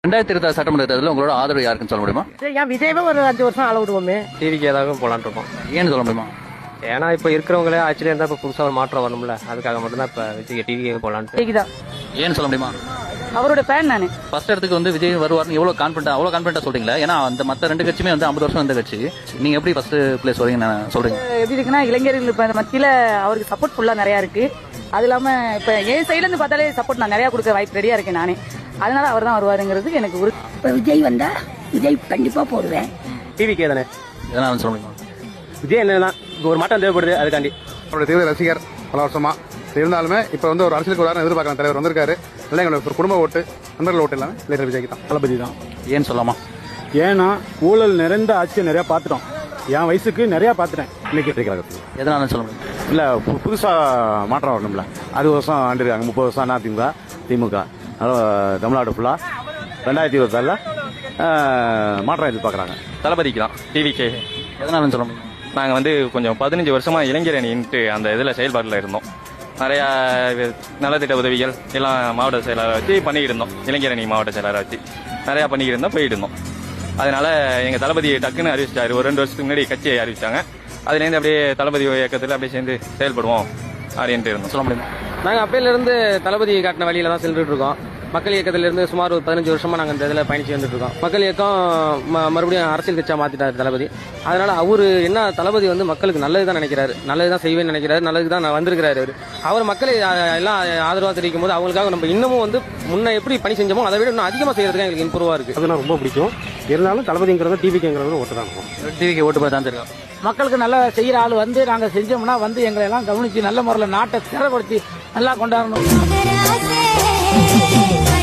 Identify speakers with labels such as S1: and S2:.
S1: 2026 சட்டமன்ற தேர்தலில் உங்களோட ஆதரவு யாருக்குன்னு சொல்ல முடியுமா?
S2: ஏன் விஜயவே ஒரு 5 வருஷம் ஆள விடுவோமே.
S3: டிவிக்கு ஏதாவது போலான்னு இருக்கோம்.
S1: ஏன்னு சொல்ல முடியுமா?
S3: ஏன்னா இப்போ இருக்கிறவங்களே ஆக்சுவலி இருந்தால் இப்போ புதுசாக ஒரு மாற்றம் வரணும்ல, அதுக்காக மட்டும்தான் இப்போ விஜய் டிவிக்கு போலான்ட்டு.
S2: கேக்குதான்
S1: ஏன்னு சொல்ல முடியுமா?
S2: அவரோட ஃபேன் நானு.
S1: ஃபர்ஸ்ட் இடத்துக்கு வந்து விஜய் வருவார்னு அவ்வளோ கான்ஃபிடண்டா சொல்றீங்களா? ஏன்னா அந்த மற்ற 2 கட்சியுமே வந்து 50 வருஷம் வந்த கட்சி. நீங்க எப்படி ஃபர்ஸ்ட் பிளேஸ் வரீங்க சொல்றீங்க?
S2: எப்படி இருக்குன்னா இளைஞர்கள் இப்ப மத்தியில அவருக்கு சப்போர்ட் ஃபுல்லா நிறைய இருக்கு. அது இல்லாம இப்ப என் சைடுல இருந்து பார்த்தாலே சப்போர்ட் நான் நிறைய கொடுக்க வாய்ப்பு ரெடியா இருக்கேன் நானே. அதனால அவர் தான் வருவாருங்கிறது எனக்கு ஒரு.
S4: இப்ப விஜய் வந்தா விஜய் கண்டிப்பா போடுவேன்.
S3: டிவிக்கே தானே.
S1: எதனால சொல்ல முடியுமா?
S3: விஜய் என்னதான் ஒரு மாற்றம் தேவைப்படுது, அதுக்காண்டி.
S5: அவருடைய தீவிர ரசிகர் பல வருஷமா இருந்தாலுமே இப்ப வந்து ஒரு அரசியலுக்கு ஒரு எதிர்பார்க்கலாம். தலைவர் வந்திருக்காரு, இல்லை எங்களுக்கு ஒரு குடும்ப ஓட்டு, நண்பர்கள் ஓட்டு எல்லாமே இளைஞர் விஜய்க்கு தான்.
S6: தளபதி தான்.
S1: ஏன்னு சொல்லாமா?
S6: ஏன்னா ஊழல் நிறைந்த ஆட்சியை நிறைய பார்த்துட்டோம். என் வயசுக்கு நிறைய பார்த்துட்டேன். இன்னைக்கு
S1: எதனால சொல்ல முடியும்?
S7: இல்லை புதுசாக மாற்றம் வரணும்ல. 60 வருஷம் ஆண்டிருக்காங்க, 30 வருஷம் அதிமுக திமுக. அதனால் தமிழ்நாடு ஃபுல்லாக 2026 மாற்றம் எதிர்பார்க்குறாங்க.
S8: தளபதிக்கு தான், டிவிக்கு.
S1: எதனால சொல்ல முடியும்?
S8: நாங்கள் வந்து கொஞ்சம் 15 வருஷமா இளைஞர் அணின்ட்டு அந்த இதில் செயல்பாட்டில் இருந்தோம். நிறையா நலத்திட்ட உதவிகள் எல்லாம் மாவட்ட செயலாளரை வச்சு பண்ணிக்கிட்டு இருந்தோம். இளைஞர் அணி மாவட்ட செயலாளரை வச்சு நிறையா பண்ணிக்கிட்டு இருந்தோம், போயிட்டு இருந்தோம். அதனால எங்கள் தளபதி டக்குன்னு அறிவிச்சிட்டாரு. ஒரு 2 வருஷத்துக்கு முன்னாடி கட்சியை அறிவிச்சாங்க. அதுலேருந்து அப்படியே தளபதி இயக்கத்தில் அப்படியே சேர்ந்து செயல்படுவோம் அப்படின்ட்டு இருந்தோம். சொல்ல முடியுமா?
S3: நாங்கள் அப்பையிலேருந்து தளபதி காட்டின வழியில தான் சென்றுட்டு இருக்கோம். மக்கள் இயக்கத்திலிருந்து சுமார் ஒரு 15 வருஷமா நாங்கள் இந்த இதில் பயணிச்சு வந்துட்டு இருக்கோம். மக்கள் இயக்கம் மறுபடியும் அரசியல் கட்சியாக மாற்றிட்டார் தளபதி. அதனால அவரு என்ன, தளபதி வந்து மக்களுக்கு நல்லது தான் நினைக்கிறாரு, நல்லது தான் செய்வேன்னு நினைக்கிறாரு, நல்லது தான் வந்திருக்கிறாரு. அவர் மக்களை எல்லாம் ஆதரவாக தெரிவிக்கும் போது அவங்களுக்காக நம்ம இன்னமும் வந்து முன்ன எப்படி பணி செஞ்சோமோ அதை விட இன்னும் அதிகமாக செய்யறதுக்கு எங்களுக்கு இம்ப்ரூவா இருக்கு.
S6: அது நான் ரொம்ப பிடிக்கும். இருந்தாலும் தளபதிங்கிறத டிவிக்குங்கிறத ஓட்டு தான்.
S1: டிவிக்கு ஓட்டு போய் தான் தெரியும்.
S2: மக்களுக்கு நல்லா செய்யற ஆள் வந்து நாங்க செஞ்சோம்னா வந்து எங்களை எல்லாம் கவனிச்சு நல்ல முறையில் நாட்டை திறப்படுத்தி நல்லா கொண்டாடணும்.